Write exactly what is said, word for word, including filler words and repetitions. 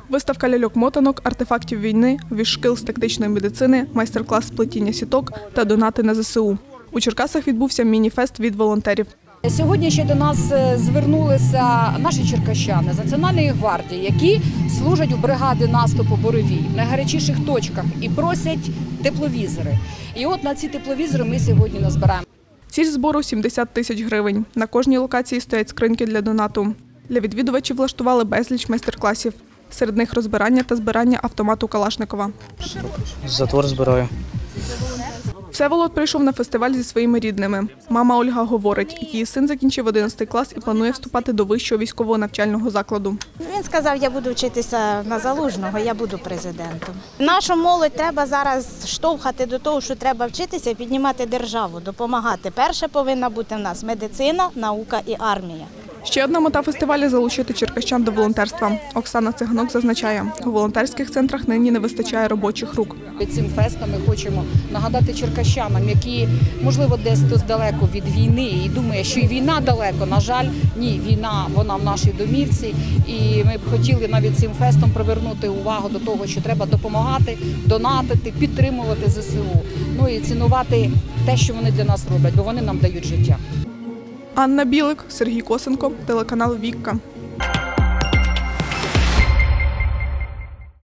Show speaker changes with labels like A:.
A: Виставка ляльок-мотанок, артефактів війни, віж-шкіл з тактичної медицини, майстер-клас з плетіння сіток та донати на зе се у. У Черкасах відбувся міні-фест від волонтерів.
B: Сьогодні ще до нас звернулися наші черкащани з Національної гвардії, які служать у бригаді наступу «Буревій» в найгарячіших точках і просять тепловізори. І от на ці тепловізори ми сьогодні назбираємо.
A: Ціль збору – сімдесят тисяч гривень. На кожній локації стоять скриньки для донату. Для відвідувачів влаштували безліч майстер-класів. Серед них розбирання та збирання автомату Калашникова.
C: Затвор збираю.
A: Всеволод прийшов на фестиваль зі своїми рідними. Мама Ольга говорить, її син закінчив одинадцятий клас і планує вступати до вищого військового навчального закладу.
D: Він сказав, я буду вчитися на Залужного, я буду президентом. Нашу молодь треба зараз штовхати до того, що треба вчитися і піднімати державу, допомагати. Перше повинна бути в нас медицина, наука і армія.
A: Ще одна мета фестивалю – залучити черкащан до волонтерства. Оксана Циганок зазначає, у волонтерських центрах нині не вистачає робочих рук.
B: Цим фестом ми хочемо нагадати черкащанам, які, можливо, десь хтось далеко від війни і думає, що і війна далеко. На жаль, ні, війна, вона в нашій домівці. І ми б хотіли навіть цим фестом привернути увагу до того, що треба допомагати, донатити, підтримувати зе се у. Ну і цінувати те, що вони для нас роблять, бо вони нам дають життя.
A: Анна Білик, Сергій Косенко, телеканал «Вікка».